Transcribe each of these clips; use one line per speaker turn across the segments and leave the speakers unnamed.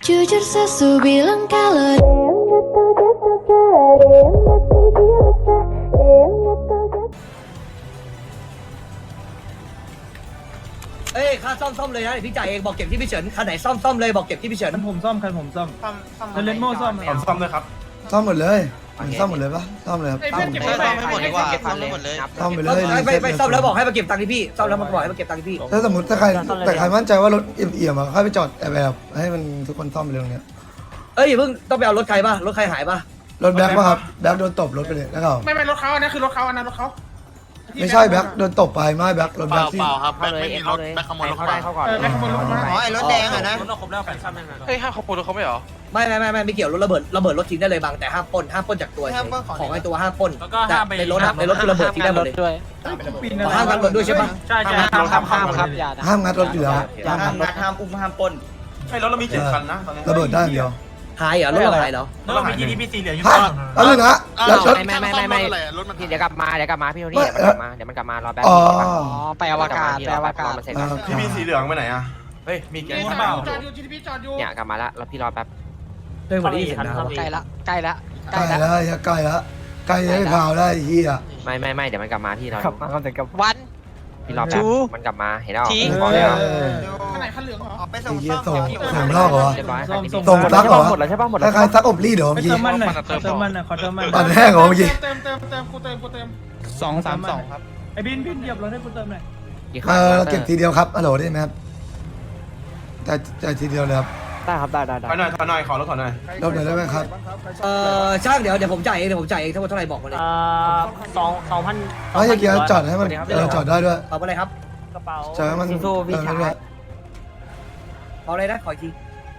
Jujur sesu bilang kalau
เอ้ยค่าซ่อมเลยนะเดี๋ยวพี่จ่ายเองบอกเก็บที่พี่เฉินคันไหนซ่อมเลยบอกเก็บที่พี่เฉิน
ผมซ่อมคันผมซ่อมเลนโม่ซ่อม
ผมซ่อมด้วยครับ
ซ่อมหมดเลยซ่อมหมดเลยปะซ่อมเลยครับ
เก็บให้หมดดีกว่าซ่อมหมดเลย
ซ่อมไปเลย
ไปซ่อมแล้วบอกให้มาเก็บตังค์ที่พี่ซ่อมแล้วมาบอกให้มาเก็บตังค์ที่พี่
ถ้าสมมติถ้าใครแต่ใครมั่นใจว่ารถเอี่ยมๆอะค่อยไปจอดแบบให้มันทุกคนซ่อมไปเลยตรงเนี้ย
เอ้ยอย่าเพิ่งต้องไปเอารถใครป่ะรถใครหายป่ะ
รถแบ็คป่ะครับแบ็คโดนตบรถไปเลยแล้วก็
ไม่รถเขาอันนั้นคือรถเขาอันนั้นรถเขา
ไม่ใช่แบ็คโดนตบไปไม่แบ็ครถแบ็คที่
ครับแบ็คไม่มีรถแบ็คขโมยรถเข้าไป
แบ็คขโมยรถมา
อ๋อไอ้รถแดงอ่ะนะ
รถครบแล้วแฟนซ้ำยังไงเฮ้ยห้าขโมยรถเขาไม่เหรอ
ไม่เกี่ยวระเบิดรถทิ้งได้เลยบางแต่ห้ามปล้นจากตัวของไอ้ตัวห้ามปล้น
แล้วก็
แต่
ห้ามไป
ในรถคือระเบิดทิ้งได้หมดเลย
ด้วย
ห้ามกันรถด้วยใช่ป่ะ
ใช่
ห้ามงัดรถอยู่แล้ว
ห้ามงัดห้ามอุ้มห้ามปล้น
ใช่รถเรามี7 คันนะตอนนี้
ระเบิดได้อย่างเดียว
หายเหรอรถเราหายเหรอ
แล้วเรามี GDP สีเหลืองอยู่
ฮะแล้วนึงนะแล้วรถ
ไม่
รถมัน
เดี๋ยวกลับมาพี่โทนี่เดี๋ยวมันกลับมารอแป๊บ
อ๋อ
ไปอวกาศมันเสร็จ
พี่มีสีเหลืองไปไหนอ่ะ
เฮ้ยมีแก๊ง
จ
เปล่า
อดอยู่ GTP จอดอยู่
เนี่ยกลับมาแล้วพี่รอแป๊บ
เรื่องวันนี้เห็นนะ
ใกล้ละ
ใกล้แล้วใกล้แล้วใกล้ให้พาวได้เฮีย
ไม่เดี๋ยวมันกลับมาพี่รอก
ลับมาแต่กับ
วันพี่รอแป๊บมันกลับมาเห็นแล้วบอกแล้ว
ข้างไหนคันเหลืองเหรอ
ไปส่ง
เฮีย
ซ่อม
ส่งนอกเหรอ
เรียบร้อย
ส่งซักเหรอ
หมดแล้วใช่ป่ะหมด
คล้ายๆซักอบรีดเหรอเมื่อกี้
เติมมันหน่อยเติมมันหน่อยขอเติมมัน
ปั่นแห้งเหรอเมื่อกี้
เติมกูเติม232ครับไอ้บินเหยียบรถให้กูเติมหน่อย
เราเก็บทีเดียวครับฮัลโหลได้ไหมครับแต่ทีเดียวเลยครับ
ได้ครับได้
ถอยหน่อยขอรถถอยหน่อย
รอบไหนได้ไหมครับ
ช่างเดี๋ยวผมจ่ายเองทั้งหมดเท่าไหร่บอกมาเลย
2,000
ไม่ใช่เกียร์จอดให้มันจอดได้ด้วย
เอาไปเลยครับ
กระเป๋า
จอดให้มันด้วย
เอาเลยนะขออีกที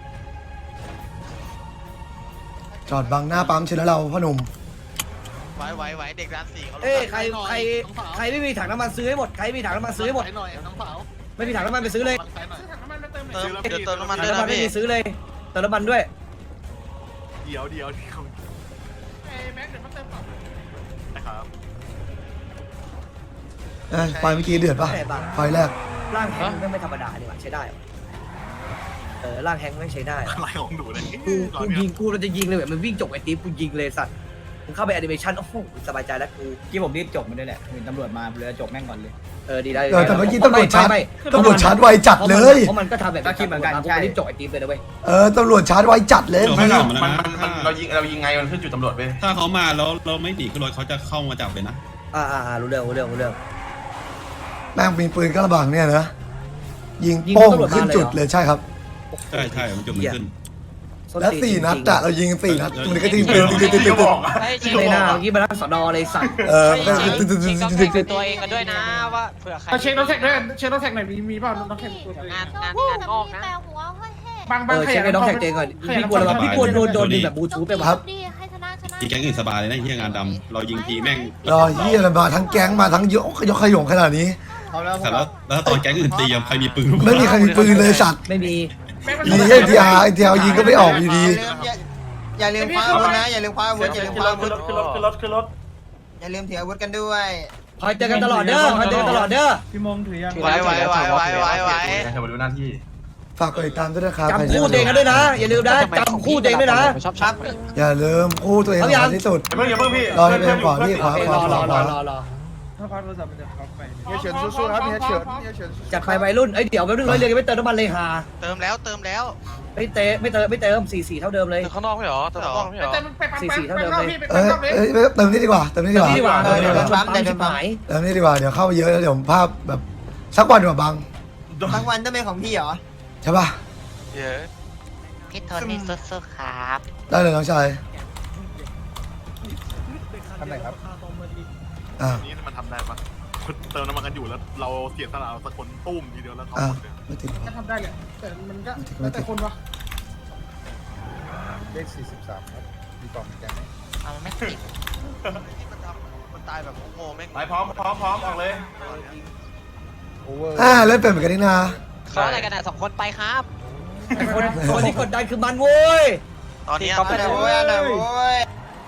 จอดบังหน้าปั๊มเชิญแล้วเราพ่อหนุ่ม
ไหวเด็กร้าน4เขา
เอ้ยใครไม่มีถังน้ำมันซื้อให้หมดใครมีถังน้ำมันซื้อให้หมด
หน่อยน้องสาว
ไม่มีถังน้ำมันไปซื้อเลย
ซื้อถังน้ำมันมาเติม
เดี๋ยวเติมน้ำมัน
ถัง
ด้วย
น้ำมัน
นะ
ไม่
พี่
มีซื้อเลยเติมน้ำมันด้วย
เดี๋ยว
ไอ้แม็กเดี๋ยวมาเติมก่อน
นะครับ
ไฟเมื่อกี้เดือดป่ะไฟแรก
ร่างแฮงค์ไม่ธรรมดาดีกว่าใช้ได้ร่างแฮงค์ไม่ใช้ได้
อะไรของหนูเนี่ย
กูยิงกูเราจะยิงเลยแบบมันวิ่งจบไอ้ติ๊บกูยิงเลยสัตว์มึงเข้าไปแอนิเมชันโอ้โหสบายใจแล้วกู
ที่ผมรีบจบมันด้วยแหละเห็นตำรวจมาเลยจบแม่งก่อนเลย
ดีได้
แต่เมื่อกี้ตำรวจชาร์จไวจัดเลย
เพราะมันก็ทำแบบรีบจบไอ้ติ๊บเลยนะเว้ย
ตำรวจชาร์จไวจัดเลย
ไม่หรอกมันเรายิงไงมันขึ้นจุดตำรวจไป
ถ้าเขามาแล้วเราไม่หนีขึ้นรถเขาจะเข้ามาจับเลยนะ
รู้เรื่อง
แม่งมีปืนกระบังเนี่ยนะยิงโป้งขึ้นจุดเลยใช่ครับ
ใช่มันจุดมันขึ้น
และ4 นัดอะเรายิง4 นัดตรงนี้ก็ยิงปืน
ก็บอก
ในหน้าเมื่อกี้มานั่งสอนอเลยสัตว์
ตัวเองกันด้วยนะว่าเผื่อใคร
เช็ครถแท็กด้วยเช็ครถแท็กหน่อยมีเปล่ารถแท็กตัวเอง
งานออกนะ
บาง
เช็คไอ้น้องแท็กเจก่อนพี่กลัวอะไรพี่กลัวโดนดึงแบบบลูทูธไปวะ
อีแก๊งอื่นสบายเลยนะเฮียงานดำเรายิงทีแม่ง
รอเฮียมาทั้งแก๊งมาทั้งยกขยงขนาดนี้
แต่แล้วตอนแก๊งอื่นตีใครมีปืน
ไม่มีใครมีปืนเลยสัตว์
ไม่มี
ดีเอ็นทีอาร์ยิงก็ไม่ออกอยู่ดี
อย่าลืมคว้าอาวุธนะอย่าลืมคว้าอาวุธอย่าลืมคว้าอาวุธ
ขึ้นรถ
อย่าลืมถืออาวุธกันด้วย
คอยเจอกันตลอดเด้อ
พี่มงถือยัง
ไหว
เธอมาดูหน้าที่
ฝากกดติดตามด้วยนะครับ
จำคู่ตัวเองกันด้วยนะอย่าลืมนะจำคู่ตัวเองด้วยนะ
ครับ
อย่าลืมคู่ตัวเองสำคัญที่สุด
อย่าเพิ่งพี่
รอให้เป็นก่อนพี่ขวา
รอ
ถ้าคว้าโทรศัพท์มันจะคว้าไป
เฮียเฉินสู้ๆครับเฮียเฉิน
จัดไปวัยรุ่นเดี๋ยวไปเรื่องเลยไม่เติมน้ำมันเลยฮา
เติมแล้ว
ไม่เติม4-4เท่าเดิมเลย
เติมข้างนอกไม่เหรอเติมข้างนอกไม่เหรอ
เติมไปปั๊มพี่ไป
เอ้
ปั๊มเลย
ยเติมนี่ดีกว่าเติมนี่ดีกว่า
นี่ดีกว่าปั๊มชิบหาย
เติมนี่ดีกว่าเดี๋ยวเข้าไปเยอะแล้วเดี๋ยวภาพแบบสักวันดีกว่าบัง
ทั้งวันต้องเป็นของพี่เหรอ
ใช่ป่ะ
เยอะ
พี่โทนี่สู้ๆครับ
ได้เลยน้องชาย
ทำไหนครับ
นี่มันทำได้ปะเติมน้ำมันกันอยู่แล้วเราเสียสละสักคนตุ้มทีเดียวแล้วเขา
ไม่ติดหรอ
ก็ทำได้เลยแต่มันก็แล้วแต่คนวะ
เลข43ครับมีกล่องแกงไหม
เอาไม่ติด
มันตายแบบโง่แม่ง
ไปพร้อมออกเลย
โอเวอร์
เล่นเป็นเหมือนกันนี่นา
เขาอะไรกันอ่ะ2 คนไปครับ
คนที่กดดันคือมันโว้ย
ตอนนี้
อันไหนโว้ยอันไหนโว้ย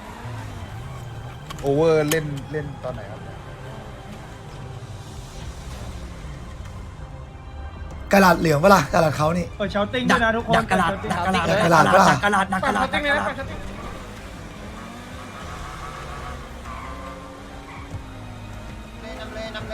โอเวอร์เล่นตอนไหนครับ
กระดาษเหลืองเปะล่า กระดาษเขานี่
เปิดเชาติ้งด้วยนะทุกคน
ดักกระดาษดักกระดาษ
ดักกระดาษ
ดักกระดาษดักกระดาษ
เปิดเชาติ้งเลยนะ
นำเลย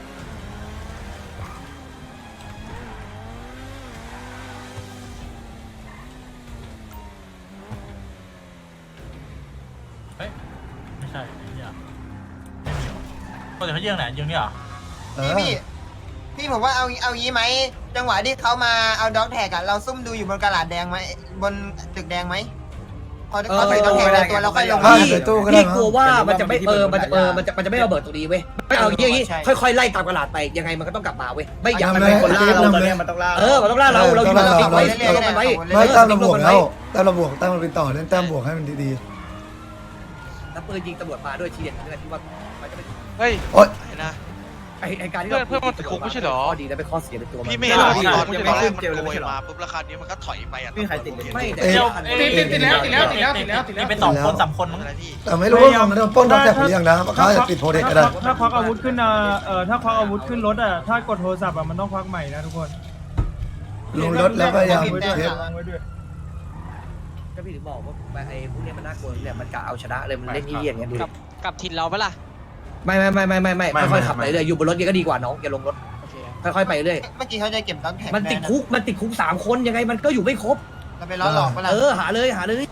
ไม่ใช่ไอ้เหี้ยไม่มีหรอคนแต่เขาเยื่องไหนเยื่องนี่เหรอ
เออ
พี่ผมว่าเอางี้ไหมจังหวะที่เขามาเอาด็อกแท็กอะเราซุ่มดูอยู่บนกระดาษแดงไหมบนตึกแดงไหมพอใส่ด็อกแท็กในตัวเราค่อยลง
ใส่ตู้ก็ได้
พี่กลัวว่ามันจะไม่มันจะไม่ระเบิดตรงนี้เว้ยไม่เอาอย่างงี้ค่อยๆไล่ตามกระดาษไปยังไงมันก็ต้องกลับมาเว้ยไม่อยากมันเป็นคนล่าเรา
มันต้องล่า
มันต้องล่าเราอยู่เราติ๊กไว้เราลงไปไว้
ไม่แต้มเราบวกแล้วแต้มเราบวกแต้มเราเป็นต่อเล่นแต้มบวกให้มันดี
แล้วปืนยิงตำรวจมาด้วยทีเด็ดนี่แหละที่ว่ามันจะเป็น
เฮ้ย
ๆ โอ๊ย
ไอ้นะ
ไอการที่
เพื่อนมันติดคุกไม่ใช่เหรอ
ข้อดีและเป็นข้อเสียในตัวมัน
พี่ไม่เห็นหรอตอนมันโกยมาปุ๊บราคานี้มันก็ถอยไปอ่ะ
พี่ใครติดเลย
ไม่แต่
ติดแล้วไป2 คน 3 คนมั้ง
อะไรพี่
แต่ไม่รู้ว่ามันโดนปล้นด็อกแท็กหรือยังนะเขาอาจจะติดโปรเทคก็ได้
ถ้าควักอาวุธขึ้นถ้าควักอาวุธขึ้นรถถ้ากดโทรศัพท์มันต้องควักใหม่นะทุกคน
ลงรถแล้วก็ยังเทป
ก็พี่ถึงบอกว่าไอ้พวกนี้มันน่ากลัวเนี่ยมันกะเอาชนะเลยมันเล่นยี่อย่างเงี้ยดู
กับถิ่นเราปะล่ะ
ไม่ค่อยๆขับไปเรื่อยอยู่บนรถยังก็ดีกว่าน้องอย่าลงรถ
โอเค
ค่อยๆไปเรื่อย
เมื่อกี้เขาจะเก็บด็อกแท็ก
มันติดคุก3 คนยังไงมันก็อยู่ไม่ครบ
เราไปล้อหลอกเวลา
หาเลย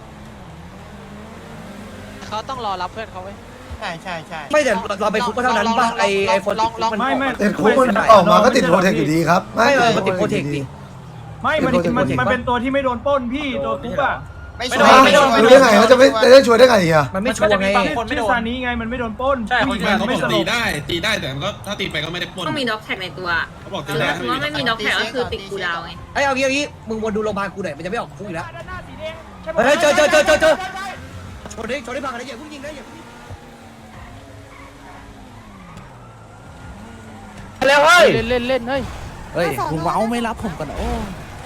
เขาต้องรอรับเพื่อนเขาไว้
ใช่
ไม่แต่เราไปคุกก็เท่านั้นป่ะไอ้คนติดคุกมัน
ไม่
ติดคุกมันออกมาก็ติดโปรเทคอยู่ดีครับ
ไม่มันติดโปรเทคดิ
ไม่มันเป็นตัวที่ไม่โดนปล้นพี่ตัวคุกอ่ะ
ไม่ช่วย
รู้ได้ไงเขาจะไม่ช่วยได้ไงอ่ะ
มันไม่ชัวร์ไง
ชื่อซานี้ไงมันไม่โดนปล้นใช่
เขาบอกตีได้แต่มันก็ถ้าตีไปก็ไม่ได้ปล้น
ต้องมีด็อกแท็กในตัว
เขาบอก
เอ
ตี
อ
ได้
สมมติว่าไม่มีด็อกแท็กก็คือติดกูดาวไง
เอางี้มึงวนดูโรงพยาบาลกูหน่อยมันจะไม่ออกคุกอีกแล้วเฮ้ยเจอชนได้พังอะไรอย่าเพิ่งยิงนะอย่าเพิ่งยิงแล้วเฮ้ย
เล่นเฮ้ย
เฮ้ย
คุณว้าวไม่รับผมกันโอ้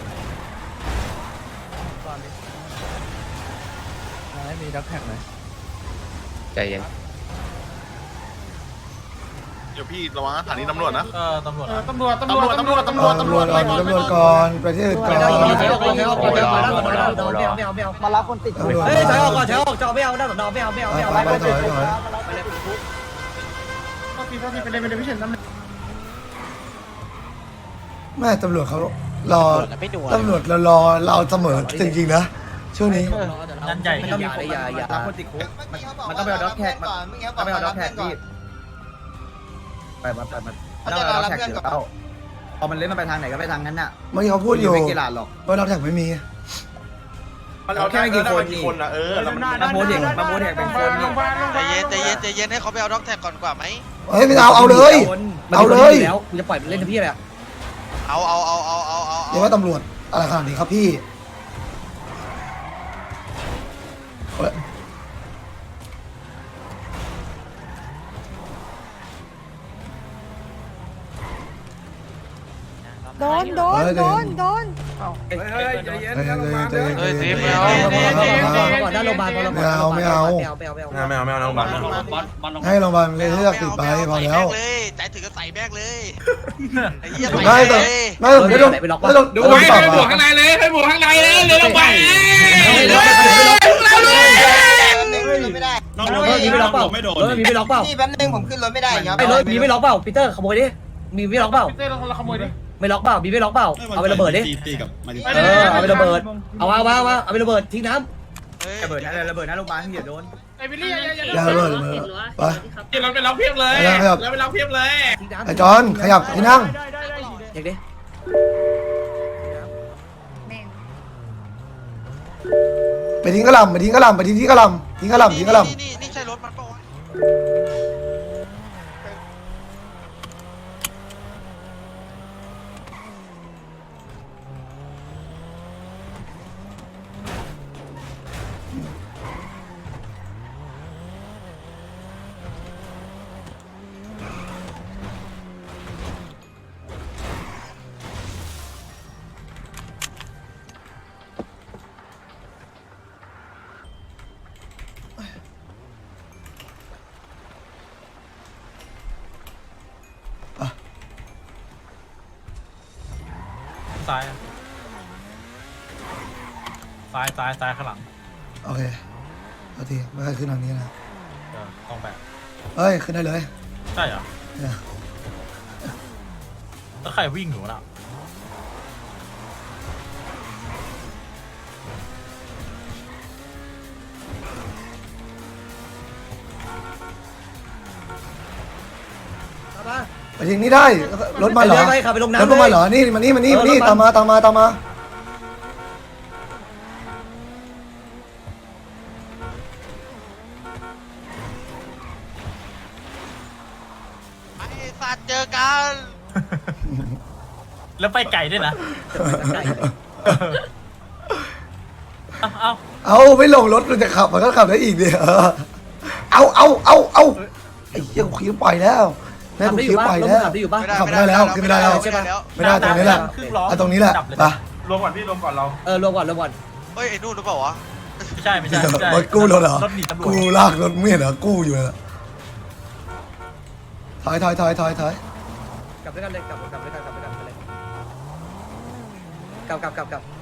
ไม่มีด็อกแท็กเลย
ใจเย็น
เดี๋ยวพี่ระวังสถานีตำรวจนะ
ตำรวจ
ตำรวจก่อนไปที่อื่นก่อน
มารับคนติดเฮ้ยถอยออกก่อนถอยออกจะไม่เอาหน้าสอนอไม่เอา
ไปถอย แม่ตำรวจเขารอตำรวจรอเราเสมอจริงๆนะช่วงนี้
นั่นใหญ่
ไม่ต้องมีคนอย่า
มันต้องไปเอาด็อกแท็กก่อนเมื่อกี้เขาบอกไปเอาด็อกแท็กก่อน
ไปมัน
เขาจะรอรับเพื่อนก่อน
พอมันเล่นมันไปทางไหนก็ไปทางนั้นน่ะ
เมื่อกี้เขาพูดอยู่
ไม่กี่หลาดหรอก
ว่าเราแท็กไม่มี
เราแค่กี่คนนะแล้วมัน
มาโมเดกเป็นคน
ใจเย็นให้เขาไปเอาด็อกแท็กก่อนกว่าไหม
เฮ้ยไม่เอาเลย เอาเลย
แล้วกูจะปล่อยมันเล่นทั้งพี่เลย
เอา
เรียกว่าตำรวจอะไรขนาดนี้ครับพี่
โดน
เฮ้ย
โดน
ใจเย็นใจเย็นใจเย็น
เฮ้ย
ก่อนหน้าโรงพยาบาลพอเรา
ไม่เอา
ไม่เอาน้องบัตร
ให้โรงพยาบาลเลยเลือกติดไปพอแล้ว
ใจถึงก็ใส่แบกเลยไอ้เหี้ย
ไม่แต่ไม่ไม่ต้องไม่ต้อง
ดู
ไม่ต้อง
ให้
ตอบ
ไปบวก
อ่ะ
ข้างในเลยให้บวกข้างในเลยเร็วไป
ไม่ได้
น้อง
มีไม่ล็อกเปล่า
ไม่โดน
มีไม่ล็อกเปล่า
นี่แป๊บนึงผมขึ้นรถไม่ได้ครับ
ไอ้รถมีไม่ล็อกเปล่าปีเตอร์ขโมยดิมีไม่ล็อกเปล่า
เราขโมยดิ
ไม่ล็อกเปล่ามีไม่ล็อกเปล่าเอาไประเบิดดิ
ตีกับมาดิ
เอาไประเบิดเอาไประเบิดทิ้งน้
ระเบิดนะโรงพยาบาลอย่าโดน
อย่าเลยไป
เราไปล็อกเพียบเลย
ขยับ
เราไปล็อกเพียบเลย
ำทิ้งน้ำ
ไอ้จอนขยับที่นั่ง
เด็กดิ
ไปทิ้งกระหล่ำไปทิ้งกระหล่ำไปทิ้งที่กระหล่ำทิ้งกระหล่ำทิ้งกระหล่ำ
นี่ใช่รถมันปะวะ
ซ้ายซ้ายข้างหลัง
โอเคเอาทีไม่ให้ขึ้นทางนี้นะ
ต้องแบบ
เฮ้ยขึ้นได้เลย
ใช่เหรอ
เนี่ย
แล้วใครวิ่งอยู่น่ะ
ไปทิ้งนี่ได้รถมาเหรอ
ไปขับไปลงน้ำ
รถพวกมาเหรอนี่มานี่ตามมา
ไอ้สัตว์เจอกัน
แล้วไปไก่ด้วยนะเอา
เอาไม่ลงรถมันจะขับมันก็ขับได้อีกดิเอาไอ้เหี้ยกูคิ้วปล่อยแล้วแม่กูคิ้วปล่อยแล้ว
ขับได้อยู่ปะ
ขับไม่ได้แล้วขึ้นไม่ได้แล้ว
ใช่ปะ
ไม่ได้ตรงนี้แหละเอาตรงนี้แหละไป
รวมก่อนพี่รวมก่อนเรา
รวมก่อน
เฮ้ยไอ้นู่นหรือเปล่าวะ
ไม่ใช่
รถกู้รถเหรอ
รถหนีตำรวจ
กูลากรถไม่เห็นเหรอกู้อยู่เลยถอย
กลับด้วยกันเลยกลับด้วยกันไปเลยกลับ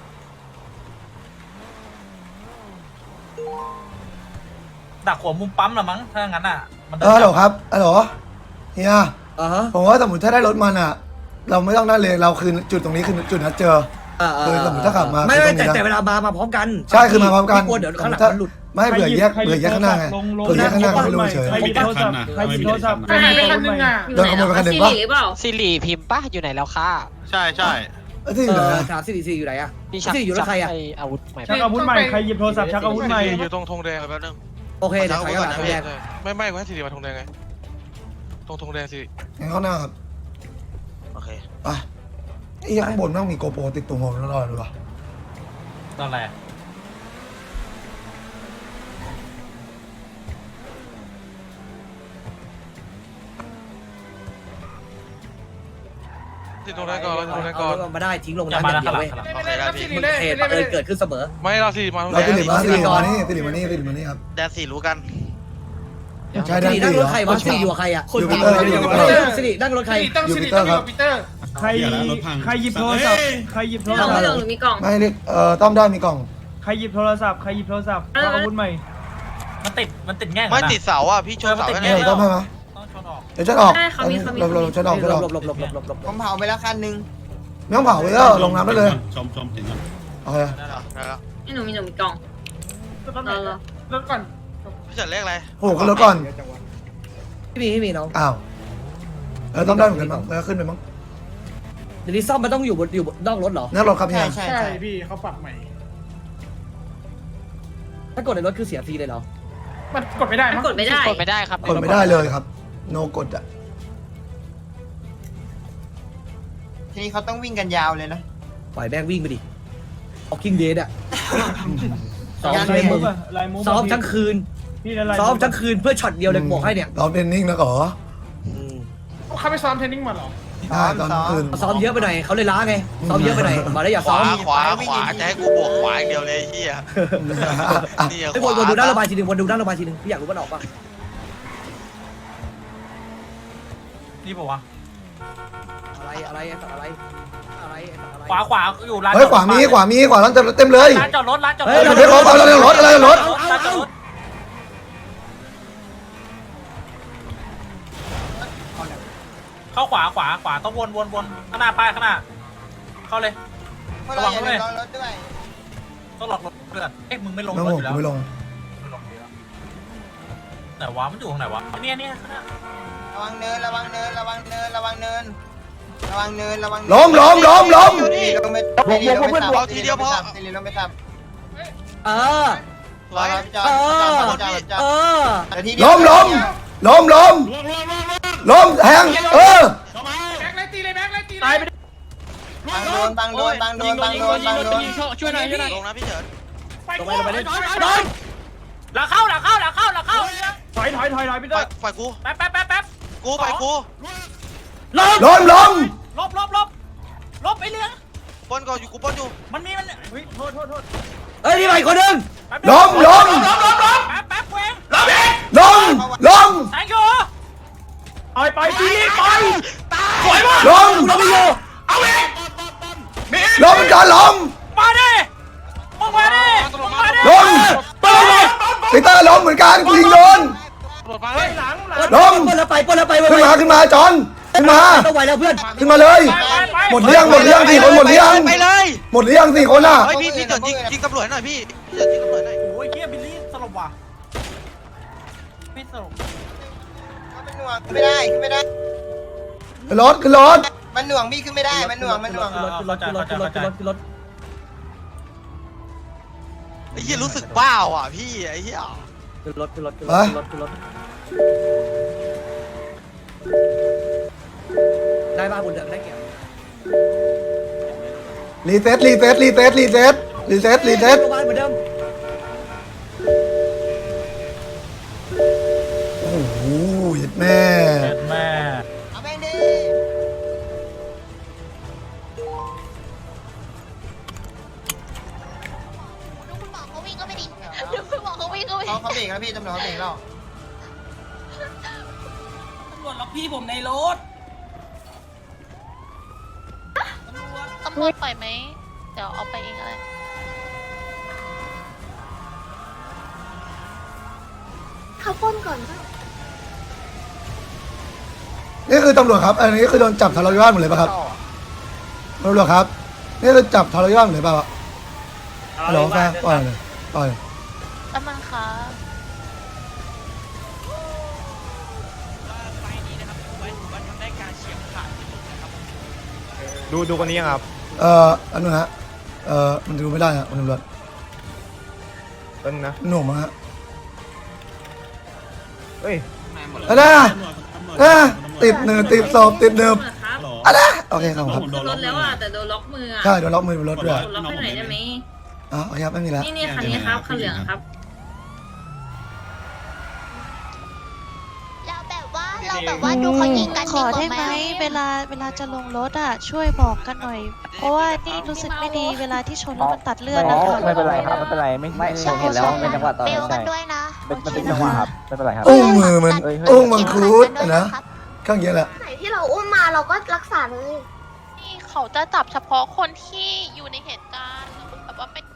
ดักหัวมุมปั๊มละมั้งถ้างั้นอ่ะมัน
ฮัลโหลครับฮัลโหลเฮีย
ฮะ
ผมว่าสมมติถ้าได้รถมันอ่ะ เราไม่ต้องนั่นเลยเราคือจุดตรงนี้คือจุดนัดเจอ คือสมมติถ้าขับมา
ไม่
คือตรงนี้
แต่
นะ
เวลามาพร้อมกัน
ใช่คือมาพร้อมกัน
กลัวเดี๋ยวข้างหลังมันหลุด
ไม่เผื่อแยกข้างหน้าไงเผื่อแยกข้างหน้าไม่รู้เฉย
ใครหยิบโทรศัพท์ใครหยิบโทรศัพท์
หายไปคันนึงอ่ะ
โดนขโมยไปคันหนึ่งปะ
สิริเปล่า
สิริพิมพ์ป่ะอยู่ไหนแล้วค่ะ
ใช่
ที่อยู่ไหนอะ
ถามสิริอยู่ไหนอะ
พี่ชัก
สิริอยู่รถใครอะ
ไอาวุธใหม่
ชักอาวุธใหม่ใครหยิบโทรศัพท์ชักอาวุธใหม่
อยู่ตรงธงแดงแป๊บนึง
โอเคเดี๋ยวถอยกลับมาแยก
ไม่กูให้สิริมาธงแดงไงตรงธงแดงสิ
งั้นเข้าหน้าครับ
โอเค
ไปไอ้ข้างบนต้องมีโกโปรติดตัวผมตลอดเลยวะ
ตอนแรก
ที่ธงแดงก่อนธงแดงก่อน
เอามาได้ทิ้งลง
อย่า
น้ำ
มา
อย่าง
แล้ว
เดียว
ข้างหลั
เว้
ง
ย
ข้างหลัง
โอเคได้พี่
เหตุบังเอิญเกิดขึ้นเสมอ
ไม่เราสิมาธง
เรา
แดง
ติดมานี่ครับ
แดนสี่รู้กัน
ใช่
สิ
ได้
ริ
ติ
นั่
ด
งรถ
เหรอ
ใครวะสิริอยู่กับใครอะ
อยู่ปีเตอร์อยู่ปีเตอร์
สิรินั่งรถใคร
อยู่ปีเตอร์ครับ
ใครหยิบโทรศัพท์ใครหยิบโทร
ไม่
ศัพท์
ลงหรือมีกล่อง
ไม่เรียกต้อมได้มีกล่อง
ใครหยิบโทรศัพท์ชักอาวุธใหม่มันติดแง่ง
ไม่ติดเสาอ่ะพี่ชนเสา
เอ
แน่
อต้อมให้ไหม
ต้องชนออก
เดี๋ยวฉันออก
ได้เขามี
เราฉันออก
หลบ
ผมเผาไปแล้วคันนึง
ไม่ต้องเผาเลยก็ลงน้ำได้เลย
ชมถึงก่อน
โอเค
ได้แล้ว
นี่หนูมีกล่องรอ
พี่จัดเลขอะไร
โอ้โหขึ้นรถก่อน
พี่มีน้อง
อ้าวต้อมได้เหมือนกันมั้งแล้วขึ้นไปมั้ง
เดี๋ยวนี้ซ่อมมันต้องอยู่บนนอกรถเหรอ
นั่งรถครับเฮี
ใช่
ย
ใช่ใช่
พี่เขาปรับใหม่
ถ้ากดในรถคือเสียฟรีเลยเหรอ
มันกดไม่ได้
มันกดไม่ได้
กดไม่ได้ครับ
กดไม่ได้เลยครับ โนกดอ่ะ
ทีนี้เขาต้องวิ่งกันยาวเลยนะ
ปล่อยแบงวิ่งไปดิออกกิ้งเดย์อะซ้อม
งาน
เลยมึง
ลายมูฟ
ซ้อมทั้งคืน
พี่ละลาย
ซ้อมทั้งคืนเพื่อช็อตเดียวเลยบอกให้เนี่ย
ซ้อมเทรนนิ่งแล้วเหรอ
เขาไปซ้อมเทรนนิ่งมาหรอ
ได้ตอนคืน
ซ้อมเยอะไปหน่อยเขาเลยล้าไงซ้อมเยอะไปหน่อยมาได้อย่า
ข
ซ้อ
วาม ขวาจะให้กูบวกขวาอย่างเดียวเลยเฮียนี่
ไอ้วนดูหน้าระบายทีนึงวนดูหน้าระบายทีนึงพี่อยากรู้มันออกปะ
นี่ป่าวะ
อะไรไอ้สัตว์อะไรอะไร
ขวาอยู่ร้าน
เฮ้ยขวามีขวาร้านเต็มเลย
ร้านจอดรถ
เฮ้ยเดี๋ยวเขาอะไรรถ
ร้านจอดรถเข้าขวาต้องวนข้างหน้าป้ายข้างหน้าเข้าเลย
พวกเราอย่าลืมรอรถด้วย
ต้องหลอกรถเพื่อนเอ๊ะมึงไม่ลง
ไม่
รถ
ล
อง ยู่แล้ว
ไม่ลง
ไหนวะมันอยู่ตรงไหนวะเนี่ยข้างหน้า
ระวังเนินระวังเนินระวังเนินระวังเนินระวังเนินระวัง
ล้ม
ลงไปทับทีเดียวพอทีเดียวลงไปทับ
เออ
ร้อย
จอด
ล้มแทง
ตายไป
บังโดน
ช่วยหน่อยลงนะพี่เฉิน
ลงไปเลย
หลังเข้าถอยพี่เตอร์
ฝ่ายกู
แป๊บ
กูฝ่ายกู
ล้ม
ลบไปเรื่อง
ปนก่อนอยู่กูปนอยู่
มันเฮ้ยโทษ
เฮ้ยนี่ใหม่คนนึง
ล้ม
แป๊บเว้ง
ล้ม
แทงอยู่ไปสวยมาก
ล้ม
เราไม่อยู่
เอาเอง
ล้มจอนล้ม
มาดิมึงมาดิมึงมาดิ
ล้มปีเตอร์ล้มเหมือนกันกูยิงโดนล้ม
ปล้นแล้วไปปล้นแล้วไป
ขึ้นมาจอนขึ้นมา
ต้องไหวแล้วเพื่อน
ขึ้นมาเลยหมดเรื่อง4 คนหมดเรื่อง
ไปเลย
หมดเรื่อง4 คนอ่ะ
เฮ้ยพี่เดี๋ยวยิงตำรวจหน่อยพี่เดี๋ยวยิงตำรวจหน่อย
โอ้ยเฮียบิลลี่สลบว่ะพี่สลบ
มันหน่วงขึ้นไม่ได้ขึ้นไม่ได้
ขึ้นรถ
มันหน่วงพี่ขึ้นไม่ได้มันหน่วง
ขึ้นรถขึ้นรถขึ้นรถขึ้นรถขึ้นรถขึ้นรถ
ไอ้เหี้ยรู้สึกบ้าว่ะพี่ไอ้เหี้ย
ขึ้นรถขึ้นรถขึ้นรถขึ้นรถได้บ้าบุญเดือดได้เกี่ยว
รีเซ็ต
โรงพยาบาลเหมือนเดิม
โอ้โหแม่
แม่
เอาแม่งดิ
ดูคุณหมอเขาวิ่งก็ไม่ดีดูคุณหมอเขาวิ่งก็ไม่ดี
เขาเบรกแล้วพี่ตำรวจเขาเบรกแล้ว
ตำรวจล็อกพี่ผมในรถ
ตำรวจปล่อยไหมเดี๋ยวเอาไปเองอะไรเขาป้นก่อนป่ะ
นี่คือตำรวจครับ อันนี้คือโดนจับทะเลาะวิวาทหมดเลยป่ะครับตำรวจครับนี่คือจับทะเลาะวิวาทหมดเลยป่ะวะฮัลโหลแฟนปล่อยเลยปล่อย
แล้วมันคะ
ดูคนนี้ครับ
อันนู้นฮะมันดูไม่ได้ฮะมันตำรวจ
ต้นนะ
หน่วงมั้งฮะ
เฮ้ย
ติดเนิบติดศพติดเนิบอะไรโอเคครับครับ
รถแล้วอ่ะแต่โดนล็อกมืออ่ะ
ใช่โดนล็อกมือบนรถด้วย
โดนล็อกให้หน่อยได้ไหม
อ๋อโอเคครับไม่มีแล้ว
นี่คันนี้ครับคันเหลืองครับ
เราแบบว่าดูเขายิงกัน
ขอได้ไหมเวลาจะลงรถอ่ะช่วยบอกกันหน่อย เพราะว่านี่รู้สึกไม่ดีเวลาที่ชนแล้วมันตัดเลือดนะคะ
ไม่เป็นไรครับไม่เป็นไรไม่เห็นแล้วเป็นจังหวะตอน
เบล
ใช่
กันด้วยนะ
เป็นจังหวะครับไม่เป็นไรครับ
อุ้งมือมันอุ้งมังคุดนะข้างเยอะแหละ
ไหนที่เราอุ้มมาเราก็รักษาเลยนี่เขาจะจับเฉพาะคนที่อยู่ในเหตุการณ์แบบว่าเป็น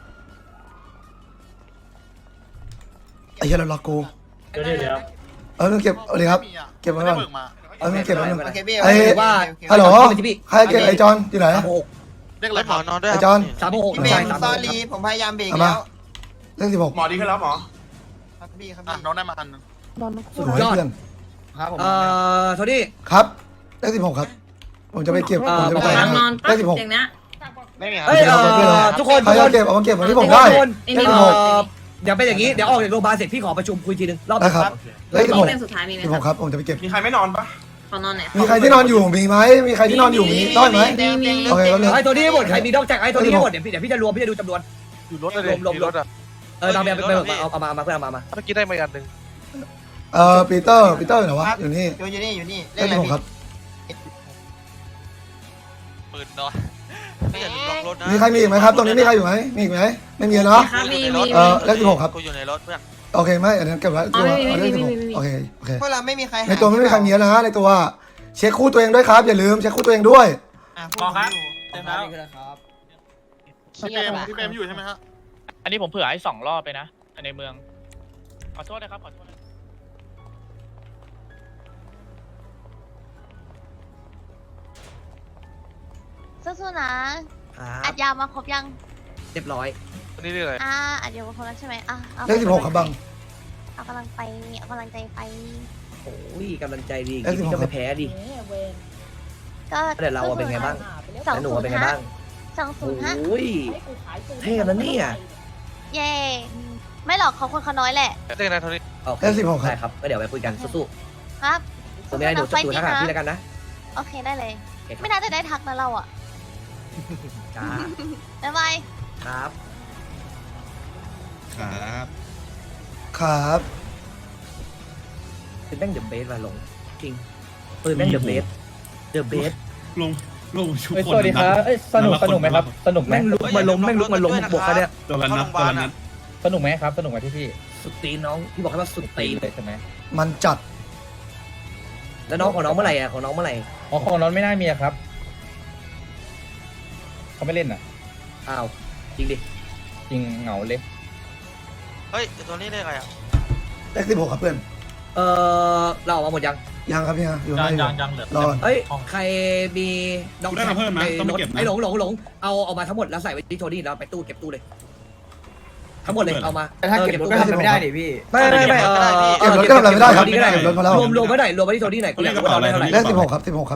ไอ้เหี้ยเราล็อกกูต้องเก็บเอาเลยครับเก็บไว้ก่อนต้องเก็บไว้ก่อน
โอเคพี่
ไอ้
ว่า
ฮัลโหลใครเก็บไอ้จอนอยู่ไหน
เรียกอะไรหมอนอนด้วย
ไอ้จอน
366
พี่เบ
ใช่
มซอรี่ผมพยายามเบรก
เอา
แล้
มาว เลข16
หมอดีขึ้นแล้วหมอ
ครับพี่ครับ
อ่ะ
พี่
น้องได้มาอันนึง
สวยเพื่อน
ครับผมโทนี่
ครับเลข16ครับผมจะไปเก็บผมจะไปจ่าย
นอน
เล
ปั๊บ
ข16
อย่างเนี้ย
ไม่มีครับ
เฮ้ยทุกคน
ใครจะเก็บเอามาเก็บวันที่ผมได้
เดี๋ยวเป็นอย่างนี้เดี๋ยวออกจากโรงพยาบาลเสร็จพี่ขอประชุมคุยทีนึงรอบ
ได้ครับเลข
นี่เป็นสุดท้ายมีไหม
16ครับผมจะไปเก็บ
มีใครไม่นอนปะ
ขอนอนไหน
มีใครที่นอนอยู่มีไหมมีใครที่นอนอยู่มีได้ไหมโอเคแล้วนึง
ไอ้ตัวนี้หมดใครมีนอกจากไอ้ตัวนี้หมดเดี๋ยวพี่จะรวมพี่จะดูจำนวน
อยู่รถเลยรถอ่ะ
บางแบบไปเอามาเพื่อนเอามา
เมื่อกี้ได้มาอันนึง
ปีเตอร์อยู่ไหนวะอยู่นี่
อยู่นี่
เลข16ครับ
ปืนนอนไม่อย่าลืมล็อกรถนะ
มีใครมีอีกไหมครับตรงนี้มีใครอยู่ไหมมีอีกไหมไม่มีเนาะ
ครับมี
เลข16ครับ
กูอยู่ในรถเพื่อน
โอเคไหมอันนั้นเก็บไว้ตัวเลข16โอเคโอเค
พวกเราไม่มีใคร
ในตัวไม่มีใครมีแล้วนะในตัวเช็คคู่ตัวเองด้วยครับอย่าลืมเช็คคู่ตัวเองด้วย
ขอครับเต็มแล้ว
พี่เบมอยู่ใช่ไหมฮะ
อันนี้ผมเผื่อให้2 รอบไปนะในเมืองขอโทษนะครับขอโทษ
สู้ๆนะอัดยามาครบยัง
เรียบร้อย
นี่เรื่องอะไร
อัดยามาครบแล้วใช่ไหมเอา
เลข16ครับบัง
เอากำลังไปเอากำลังใจไป
โอ้ยกำลังใจดีกินก็ไม่แพ้ดิ
ก็
แต่เราเป็นไงบ้าง
สอง
แล้วหนู
ศูน
เป็น
ย์
ไง
ฮะ
บ้าง
20
โอ้ยเท่แล้วเนี่ย
เย่ไม่หรอกเขาคนเขาน้อยแหละ
เรื่องอะไรเท่านี้
ได้ครับก็เดี๋ยวไปคุยกันสู้
ครับ
ๆตัวไม่ได้หนูจะดูทักหาพี่แล้วกันนะ
โอเคได้เลย ไม่น่าจะได้ทักนะเราอ่ะ
จ้า
บ๊ายบาย
ครับ
ครับ
ครับ
ปืนแม่งเดอะเบสว่ะหลงจริงปืนแม่งเดอะเบส
ลงชุก
สวัสดีครับสนุกไหมครับสนุกไหม
แม่งลุกมาล้มแม่งลุกมาล้มบวกกันเนี่ย
ตัวละนัดตัวละนัด
สนุกไหมครับสนุกไหมพี่
สุดตีนน้องพี่บอกให้ว่าสุดตีน
เลยใช่ไหม
มันจัด
แล้วน้องของน้องเมื่อไหร่อ่ะของน้องเมื่อไหร่
อ๋อของน้องไม่น่ามีครับเขาไม่เล่นอ่ะ
อ้าวจริงดิ
จริงเหงาเลย
เฮ้ยตัวนี้เรียกอะไรอ่ะ
เลข16ครับเพื่อน
เราออกมาหมดยัง
ยังครับพี่ฮะอยู่
ยั
ไม่
ง
อยู่
ยังเหลือ
รอ
เอ้ยใครมีน้อง
ได้มาเพิ่มนะต้องไปเก็บนะ
ไอ้หลงเอาออกมาทั้งหมดแล้วใส่ไว้ที่โทนี่แล้วไปตู้เก็บตู้เลย ทั้งหมดเลยเอามา
แต่ถ้าเก็บรถก็ทำอะไรไม่ได้ดิพี่
ไม่
เก็บรถก็ทำอะไรไม่ได้ครับ
ก็ได้
เก็บรถมาแล้ว
รวมไว้ไหนรวมไว้ที่โทนี่ไหนกูอยากรู้ว่าเราได้เท่าไหร่
เลข16ครับ16ครับ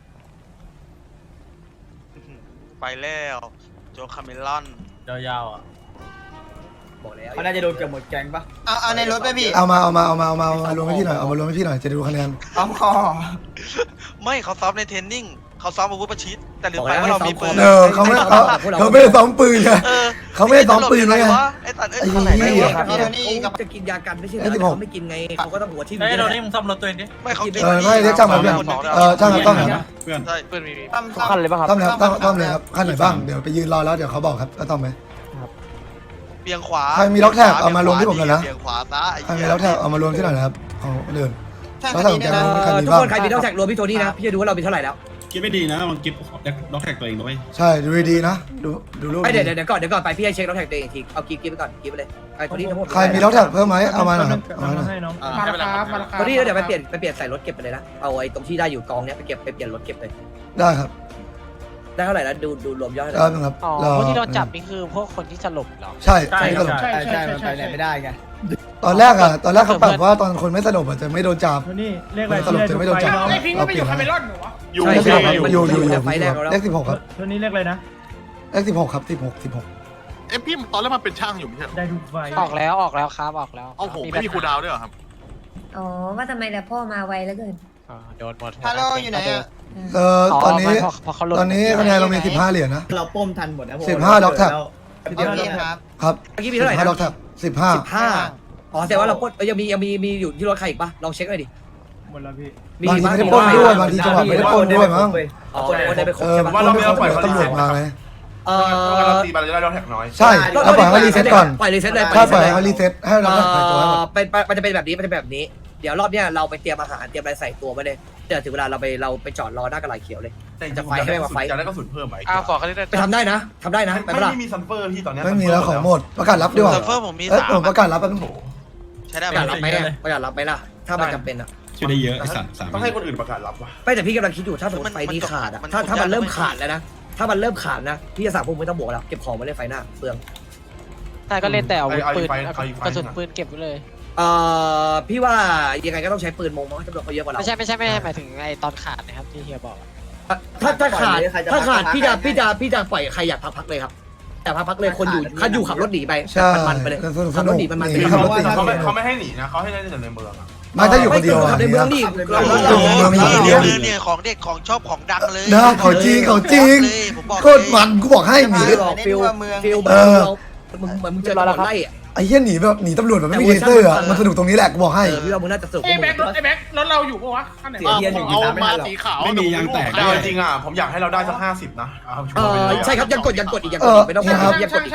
ไปแล้วโจคาเมลอน
ยาวๆอ่ะ
บอกแล้ว
เขาน่าจะโดนเกือบหมดแก๊งปะ
เอาในรถไปพี่
เอามารวมให้พี่หน่อยเอามารวมให้พี่หน่อยจะดูคะแนน
พร้อมคอ
ไม่เขาซ้อมในเทรนนิ่งเขาซ้อมอาวุธประชิดแต่ลืมไปว่าเรามีปืน
เขาไม่ได้ซ้อมปืนไง
เออ
เขาไม่ได้ซ้อมปืนไง
ไอ้ตัดไอ้
ไอ้
เท่าไหร่
เหี้
ไม่
ย
รู้
พี่โทนี่กับ
จะกินยากันไม่ใช่
เลข16
เขาไม่กินไงเขาก็ต้องหัวทิ่ม
เฮ้ยเรานี่มึงซ่อมรถตัวเองดิ
ไม่เขา
ไม่เรียกช่างมาเพื่อนช่างครับต้อง
เพื่อน
ใช่ปืนมี
ซ่อม
ขั้นเลยปะครับ
ต้องเลยครับต้องเลยครับขั้นไหนบ้างเดี๋ยวไปยืนรอแล้วเดี๋ยวเขาบอกครับก็ต้องไหม
เบียงขวา
ใครมีล็อกแท็กเอามารวมที่ผมหน่อยนะ
เบียงขวาซะ
ใครมีล็อกแท็กเอามารวมที่หน่อยนะครับของเดิน
ใช่
แล้ว
คัน
ถ้า
นี้
ผม
ด้วย
จะ
นะ
มีใครมี
ทุก
บ้าง
คนใครมีต้องแท็กรวมพี่โทนี่นะพี่จะดูว่าเรามีเท่าไหร่แล้ว
คิดไม่ดีนะมันกิฟล็อกแท็กตัวเองด้วย
ใช่ดูดีๆนะดูรูป
ไม่เดี๋ยวก่อนไปพี่ให้เช็คต้องแท็กตัวเองอีกทีเอากิ๊บไปก่อนกิ๊บไปเลยไอ้โทนี่ทั้งหมด
ใครมีล็อกแท็กเพิ่มไหมเอามาหน่อยครับเอามาหน่อย
มาแล้วครับมาแล้วครับ
โทนี่แล้วเดี๋ยวไปเปลี่ยนใส่รถเก็บไปเลยนะเอาไอ้ตรงที่ได้อยู่กองเนี้ยไปเก็บไปเปลี่ยนรถเก็บเลย
ได้ครับ
ได้เท่าไหร่แล้วดูรวมยอด
ได้ครับพวกที่เราจับนี่คือ ใช่ใช่ตลก
ใช่มันไปไหนไม่ได้ไง
ตอนแรกเขาปรับว่าตอนคนไม่สลบจะไม่โดนจับ
นี่เลข
คนสลบจะไม่โดนจับเราเปลี่ยน
อยู่
ใช่
ใช่
ครับ
อยู่
อยู่
ไฟแรกแล้ว
เลข16ครับ
ตัวนี้เลขอะไรนะ
เลข16ครับ16
เอ้พี่ตอนแรกมันเป็นช่างอยู่ไม่ใช่เหรอ
ได้ดูไฟ
ออกแล้วครับออกแล้ว
เอาผมไม่มีครูดาวด้วยเหรอครับ
อ๋อว่าทำไมแต่พ่อมาไวแล้วเกิน
โดนหมด
ฮัลโหลอยู่ไหนอ่ะ
ตอนนี้
พอเขาหลุด
ตอนนี้คะแนนเรามี15เหรียญนะ
เราป้มทันหมดนะ
15ล็อกแท็ก
โอเคครับ
ครับ
เมื่อกี้มีเท่าไหร่
15
นะ
ล็อกแท็ก15
15อ๋อแต่ว่าเราปล้นยังมีอยู่ที่รถใครอีกปะลองเช็คหน่อยดิ
หมดแล้วพี่
บางทีไม่ได้ปล้นด้วยบางทีจังหวะไม่ได้ปล้นด้วยมั้ง
อ๋อคนได้ไปครบใช่ปะ
ว่าเราไม่ต้องปล่อยตำรวจมาไง
ตีไปเราจะได้ล็อกแท็กน้อย
ใช่เราปล่อยให้รีเซ็ตก่อน
ปล่อยรีเซ็ตเลย
ถ้าปล่อยให้รีเซ็ตให้เราปล่อยตัวให้หมด
มันจะเป็นแบบนี้ เดี๋ยวรอบเนี้ยเราไปเตรียมอาหารเตรียมอะไรใส่ตัวไว้เลยเดี๋ยวถึงเวลาเราไปจอดรอหน้ากระไรเขียวเลย จะไฟให้มาไฟ
จะได้กระสุนเพิ่มไหม
ขอเขาได้
ไปทำได้นะไปเปล่า
ไม่มีซัมเฟอร์ที่ตอนนี้
ไม่มีแล้วของหมดประกาศรับดีกว่า
เซิร์ฟเวอร์ผมมี
ผมประกาศรับแป๊บนึง
ใช้ได้
ประหยัดรับไหมประหยัดรับไหมล่ะถ้ามันจำเป็นอ่ะ
ช่วยได้เยอะไอ้สัตว์3
ต้องให้คนอื่นประกาศรับวะ
ไม่แต่พี่กำลังคิดอยู่ถ้าสมมติไฟนี้ขาดอ่ะถ้ามันเริ่มขาดแล้วนะถ้ามันเริ่มขาดนะพี่จะสั่งพวกมึงไม่ต้องบวกแล้วเก็บของมาเล่นไฟหน้าเปลือง
ใช่ก็เล่นแต่อาวุธปืน
เอาอีกไฟ
กระสุนปืนเก็บไว้เลย
พี่ว่ายังไงก็ต้องใช้ปืนมงเพราะจำนวนเขาเยอะกว่าเรา
ไม่ใช่หมายถึงไอ้ตอนขาดนะครับที่เฮียบอก
ถ้าขาดพี่จะปล่อยใครอยากพักเลยครับแต่พักเลยคนอยู่ขับรถหนีไป
ใช่
มันไปเลย
สนุก
มัน
ขับรถติด
เขาไม่ให้หนีนะเขาให้เล่นแต่ในเมืองอ่ะ
ไม่ถ้าอยู่คนเดียว
ขับในเมืองนี่
เนี่ยของเด็กของชอบของดังเลย
นะเขาจริงโคตรมันกูบอกให้หนี
ฟิลมึงเจอตำรวจไล่อะ
ไอ้เหี้ยหนีแบบหนีตำรวจแบบไม่มีเลเซอร์อ่ะมันสนุกตรงนี้แหละกูบอกให้
พี่ว่ามึงน่าจะสนุก
ไอ้แบ็ครถเราอยู่ปะวะขั้นไหน
เอามาสีขาวจริงอ่ะผมอยากให้เราได้สัก50นะ
ใช่ครับยังกดอีกไม่ต้องยังกดอีก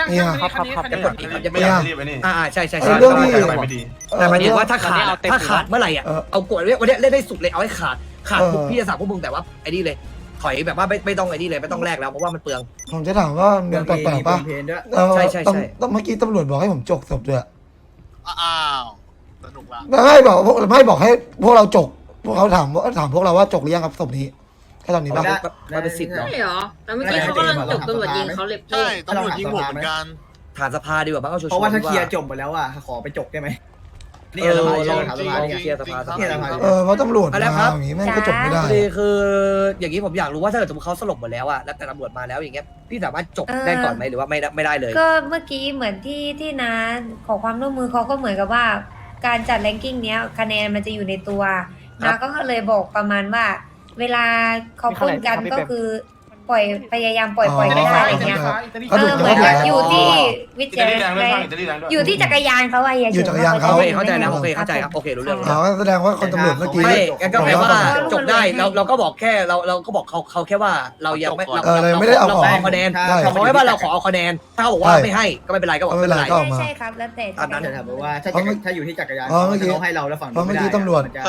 ใช่แต่หมายถึงว่าถ้าขาดเมื่อไหร่อ่ะเอากดวันนี้เล่นได้สุดเลยเอาให้ขาดพี่จะสั่งพวกมึงแต่ว่าไอ้นี่เลยถอยแบบว่าไม่ต้องไอ้นี่เลยไม่ต้องแลกแล้วเพราะว่ามันเปลือง
ผมจะถามว่าเมืองแปลกๆป่ะใช่ต้องเมื่อกี้ตำรวจบอกให้ผมจกศพด้วย
อ้าวสนุกละ
ไม่บอกให้พวกเราจกพวกเขาถามพวกเราว่าจกหรือยังครับศพนี้แค่ตอนนี้ป่ะ
มันเป็นสิทธิ์เนาะ
ใช่เหรอแล้วเมื่อกี้เขากำลังจบตำรวจยิงเขาเลย
ใช่ตำรวจยิงผมเหมือนกัน
ฐานสภาดีกว่าบ้างเอาชัวร์
เพราะว่าถ้าเคลียร์จบไปแล้วอ่ะขอไปจกได้ไหมนี่เราถามสภาเนี่ย
เคลียร์สภา
เพราะตำรวจมาอย่างนี้แม่งก็จบไม่ได้
คืออย่างนี้ผมอยากรู้ว่าถ้าเกิดสมมติเขาสลบหมดแล้วอะแล้วแต่ตำรวจมาแล้วอย่างเงี้ยพี่สามารถจบได้ก่อนไหมหรือว่าไม่ได้เลย
ก็เมื่อกี้เหมือนที่น้าขอความร่วมมือเขาก็เหมือนกับว่า การจัดแรงกิ้งเนี้ยคะแนนมันจะอยู่ในตัวน้าก็เลยบอกประมาณว่า เวลาเขาพูดกันก็คือปล่อยพยายามปล่อยไม่ได้อะไรเงี้ยเหมือนอยู่ที่วิจารณ์อยู่ที่จักรยานเขาอะอย่า
อยู่จักรยานเขา
เข้าใจแล้วโอเคเข้าใจครับโอเครู้เรื่อง
แสดงว่าคนตำรวจเมื่อกี้
ไม่ก็แปลว่าจบได้เราก็บอกแค่เราก็บอกเขาแค่ว่าเรายังไม่เราไม่ได้เอาคะแนนเขาให้ว่าเราขอเอาคะแนนถ้าเขาบอกว่าไม่ให้ก็ไม่เป็นไรก็บอกไม่เป็นไร
ใช่ครับแล้วแต่
ตอนนั้นถามว่าถ้าอยู่ที่จักรยานเขาให้เราแล้วฝั่ง
เพราะเมื่อกี้ตำรวจ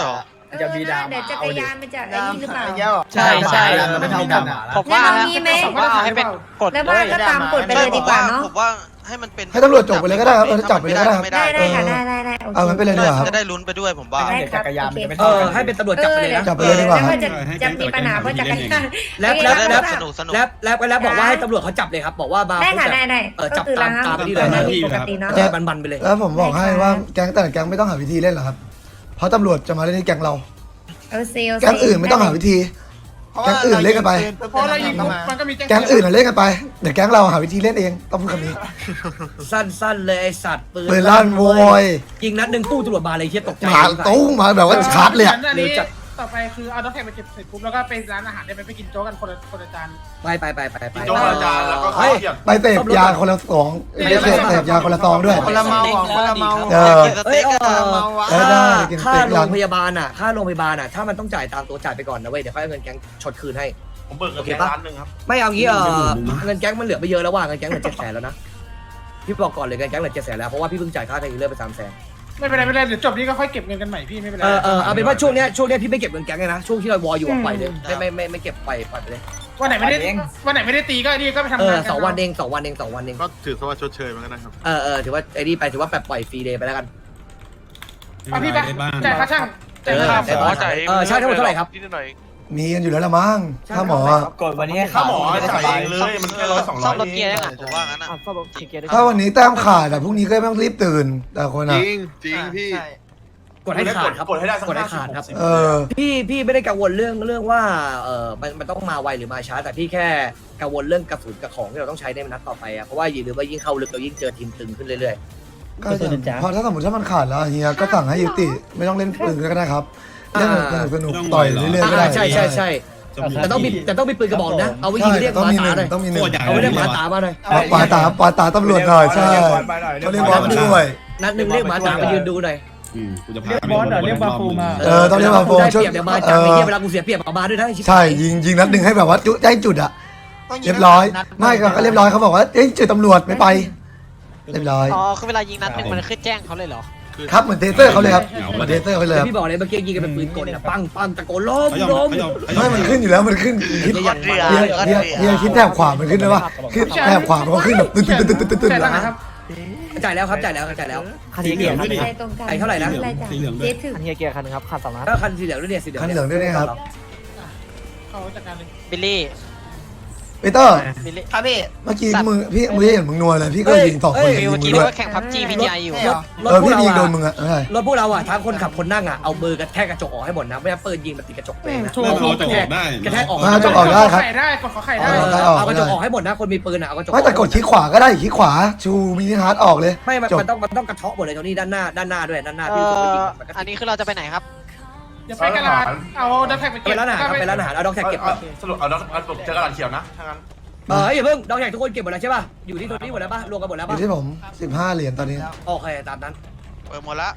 จะมีดรา
เดี๋ยว
ม่า
จัก
เอา
ร
ดิ
ยานมันจะไอ้นี่หรือเปล่า
ใช่ใช่
มันไม่เท่ากันอ่ะ
ผมว่า
งั้นเอางี้ไหม
ผมว่าเอาให้เป็นกฎ
แล้ว
เล
ว่าย ก็ตามกฎไปเลยดีกว่าเนาะ
ผมว่าให้มันเป็น
ให้ตำรวจจบไปเลยก็ได้ครับจับไปเลยก็ได้ครับ
ได้ค่ะได้โอเค
เอางั้นไปเลยดีกว่าครับ
จะได้ลุ้นไปด้วยผมว่า
ได้
เดี๋ยวจักรยานมันจะไม่
เอ
เท่า
อ
กัน
ให้เป็นตำรวจจับไปเลยนะ
จับไปเลยดีกว่า
แล้วจะมีปัญหาเพราะจักรยาน
แล้ว
สนุกสนุก
แล้วบอกว่าให้ตำรวจเขาจับเลยครับ บอกว่ามา
ได้ค่ะ
ปุ๊บ
ได้
จับ
ก็คือ
ตาม
ระงับ
ที่เลยนะ
ปกติเนาะ
แจ้บันๆไปเลย
แล้วผมบอกให้ว่าแก๊งแต่ละแก๊งไม่ต้องหาวิธีเล่นหรอกครับ เพราะตำรวจจะมาเล่นที่แก๊งเรา
เอาเซล
แก๊งอื่นไม่ต้องหาวิธี แก๊งอื่นเล่นกันไป
เพราะเรายิงปุ๊บมันก็มี
แก๊งอื่นเล่นกันไป เดี๋ยวแก๊งเราหาวิธีเล่นเองต้องพูดคำนี้
สั้นๆเลยไอสัตว์
ปืนลั่นโวย
ยิงนัดหนึ่งตู้ตำรวจมาเลยเฮียตกใจ
หมาตู้มาแบบว่าชาร์จเลยอะ
อันนี้ต่อไปคือเอาด็อกแท็กไปเก็บเสร็จปุ๊บแล้วก็ไปร้านอาหารได้ไปกินโจ๊กกันคนละจาน
ไป
โจ๊กอาจารย์แล้วก็ข้าวเทียม
ไปเสพยาคนละสองไปเสพยาคนละซองด้วย
คนละเมาคนละเมา
เออ
กินสเต็กอะ
ได้กินส
ค่า
เต็ก
โร
ร้าน
งพยาบาลอ่ะถ้ามันต้องจ่ายตามตัวจ่ายไปก่อนนะเว้ยเดี๋ยวค่อยเอาเงินแก๊งชดคืนให้
ผมเบิกเงินแค่ล้านหนึ่งครับ
ไม่เอางี้เงินแก๊งมันเหลือไปเยอะแล้วว่าเงินแก๊งเหลือ700,000แล้วนะพี่บอกก่อนเลยเงินแก๊งเหลือ700,000แล้วเพราะว่าพี่เพิ่งจ่ายค่าไฟเลอร์ไป300,000
ไม่เป็นไรเดี๋ยวจบนี้ก็ค่อยเก็บเงินกันใหม่พี่ไม่เป็นไร
เอาเป็นว่าช่วงเนี้ยพี่ไม่เก็บเงินแก๊งเลยนะช่วงที่เราวออยู่ปล่อยเลยไม่เก็บปล่อยไปเลย
วันไหนไม่ได้ตีก็นี่ก็ไปทำงานกัน
2 วันเอง
ก็ถือซะว่าชดเชยมันก็ได้ครับ
ถือว่าไอ้นี่ไปถือว่าแบบปล่อยฟรีเดย์ไปแล้วกัน
พี่ไปจ่ายค่าช่างจ่ายค่า
ใช่ทั้งหมดเท่าไหร่ครับ
มีกันอยู่แล้วละมั้งถ้าหมอ
กดวันนี้
ถ้าหมอจ่ายเองเลยมันแค่100-200
ซ่อมรถเกียร์ได้ไง
ผมว่างั้นอะ
ซ่อมรถเกียร์ได้
ถ้าวันนี้แต้มขาดแต่พรุ่งนี้ก็ไม่ต้องรีบตื่น แต่คน
จ
อ่ะ
ริงพี่
กดให้ขาดครับ
กดให้ได้สัก
กดให้ขาดครับ
เออ
พี่ไม่ได้กังวลเรื่องว่ามันต้องมาไวหรือมาช้าแต่พี่แค่กังวลเรื่องกระสุนกับของที่เราต้องใช้ในนัดต่อไปอะเพราะว่าอย่าลืมว่ายิ่งเข้าลึกเรายิ่งเจอทีมตึงขึ้นเรื่อย
ก็จะพอถ้าสมมติถ้ามันขาดแล้วเฮียก็สั่งให้ยุติไม่ต้องเล่นปืนก็ได้ครับเล่นสนุกต่อยเรื่อยๆก็ได้
ใช่แต่ต้องมีปืนกระบอกนะเอาไว้ยิงเรียก
ต้อง
หมา
มีห
ตา
นึ่ง
หน่อย
ต้องมีหนึ่ง
เอาไว้เรียกหมาตามาหน่อย
ปาตาตำรวจหน่อยใช่เขาเรียกบอสด้วย
นัดหนึ่งเรียกหมาตามายืนดูหน่อย
กูจะพาไปเรียกบาฟูมา
ต้องเรียกมาโฟ
ได้
ช่วย
เปรียบเดี๋ยวมาจังไอ้เหี้ยเวลากูเสียเปรียบเอามาด้วยนะ
ใช่ยิงนัดหนึ่งให้แบบว่าได้จุดอะเรียบร้อยไม่ก็เรียบร้อยเขาบอกว่าเอ้ยจุดตำรวจไม่ไปเรียบร้อย
อ๋อคือเวลายิงนัดหนึ่งมันขึ้นแจ้งเขาเลยเหรอ
ครับเหมือนเทเซอร์เขาเลยครับเหมือนเทเซอร์เขาเลยครับ
พี่บอกเลยเมื่อกี้ยิงกันเป็นปืนกลนะปังตะโกนล้ม
ไม่มันขึ้นอยู่แล้วมันขึ้นคิดเฮียคิดแถบขวามันขึ้นได้ปะขึ้นแถบขวามันก็ขึ้นแบบตึ๊ด
จ่ายแล้วครับจ่ายแล้ว
คันสีเหลืองด้วย
อะไรตรงกัน
ไอ้เท่าไหร่นะ
สีเหลืองด้ว
เจ๊
ย
ถึง
คันเฮียเกียร์คันนึงครับคัน2 ล้าน
ก็คันสีเหลืองด้วยเนี่ยสีเหลือง
คันเหลืองด้วยนะครับ
เขาจัดการเลย
บิลลี่
ปีเตอร์
บิลลี่
ครับพี่
เมื่อกี้มึงเห็นมึงนัวเลยพี่ก็ยิง2 คน
เมื่อกี้
ยิงมึงด้วย
ว่าแข่งพับจีพีทีไออยู่
พี่ยิงโดนมึงอะใช่
รถพวกเราอะทั้งคนขับคนนั่งอะเอามือกระแทกกระจกออกให้หมดนะไม่งั้นปืนยิงมันติดกระจกเลยนะ
แล้วเราจะออกได้
กระแทกออก
จะออกได้ครับ
ไข่ได้กดขอไข่ได้
เอากระจกออกให้หมดนะคนมีปืนอะเอากระจก
ไม่แต่กดคลิกขวาก็ได้คลิกขวาชูมินิฮาร์ดออกเลย
ไม่
จบ
มันต้องกระเทาะหมดเลยตรงนี้ด้านหน้าด้วยด้านหน้าพี่ตัวยิงมันก็
อันนี้คือเราจะไปไหนครับ
อย่าไปกระดาษเอาด็อกแท็กไป
ไป
เก็บ
ร้านอาหารไปร้านอาหารเอาด็อกแท็กเก็บก่อน
สรุปเอาด็อกเจอกระดาษเขียวนะถ้างั้น
อย่าเพิ่งด็อกแท็กทุกคนเก็บหมดแล้วใช่ป่ะอยู่ที่ตัวนี้หมดแล้วป่ะรวมกันหมดแล้ว
อ
ป่ะ
ยู่ที่ผม15เหรียญตอนนี้
โอเคตามนั้น
เปิดหมดละ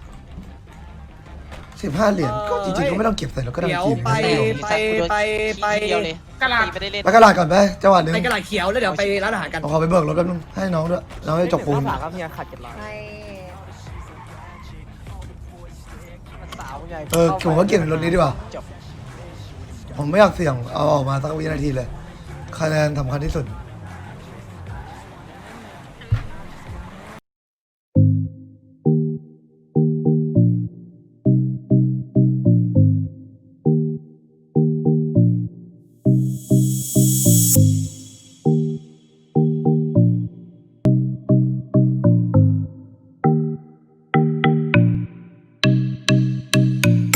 15เหรียญก็จริงๆก็ไม่ต้องเก็บใส่แล้วก็ได้
เดี๋ยว
กิน
ไป
เดียวเลย
กระดาษ
ไม่ได้เล่น
ไปกระดาษก่อนไปจังหวัดหนึ่ง
ไปกระดาษเขียวแล้วเดี๋ยวไปร้านอาหารกัน
ขอไปเบิกรถแป๊บนึงให้น้องด้วยน้องให้จบคูณ
ครับเฮียขาด700
ใช่
สาวใหญ่
ผมก็เก็บในรถนี้ดีกว่า
จบ
ผมไม่อยากเสี่ยงเอาออกมาสักวินาทีเลยคะแนนสำคัญที่สุด